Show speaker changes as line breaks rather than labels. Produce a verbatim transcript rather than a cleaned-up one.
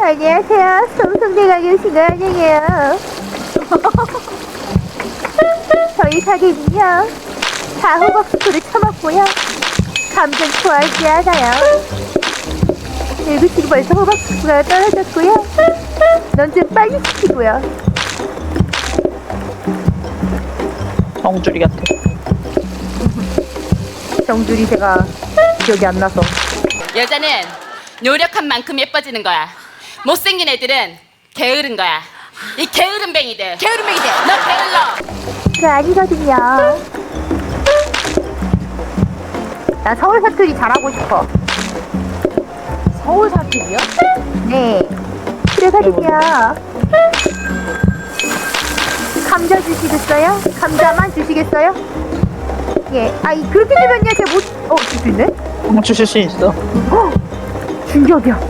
안녕하세요. 성성대가 오신 거 아니에요. 저희 가게는요, 다 호박수프를 처먹고요. 감정 좋아하지 않아요. 그리고 지금 벌써 호박수프가 떨어졌고요. 넌 좀 빨리 시키고요.
정주리 같아.
정줄이 제가 기억이 안 나서.
여자는 노력한 만큼 예뻐지는 거야. 못생긴 애들은 게으른 거야. 이 게으름뱅이들. 게으름뱅이들. 너 게을러.
그거 아니거든요. 나 서울 사투리 잘하고 싶어.
서울 사투리요?
네. 그러거든요. 감자 주시겠어요? 감자만 주시겠어요? 예. 아이 그렇게 되면요 제가 못. 어, 줄 수 있네?
어, 주실 수 있어.
어, 충격이야.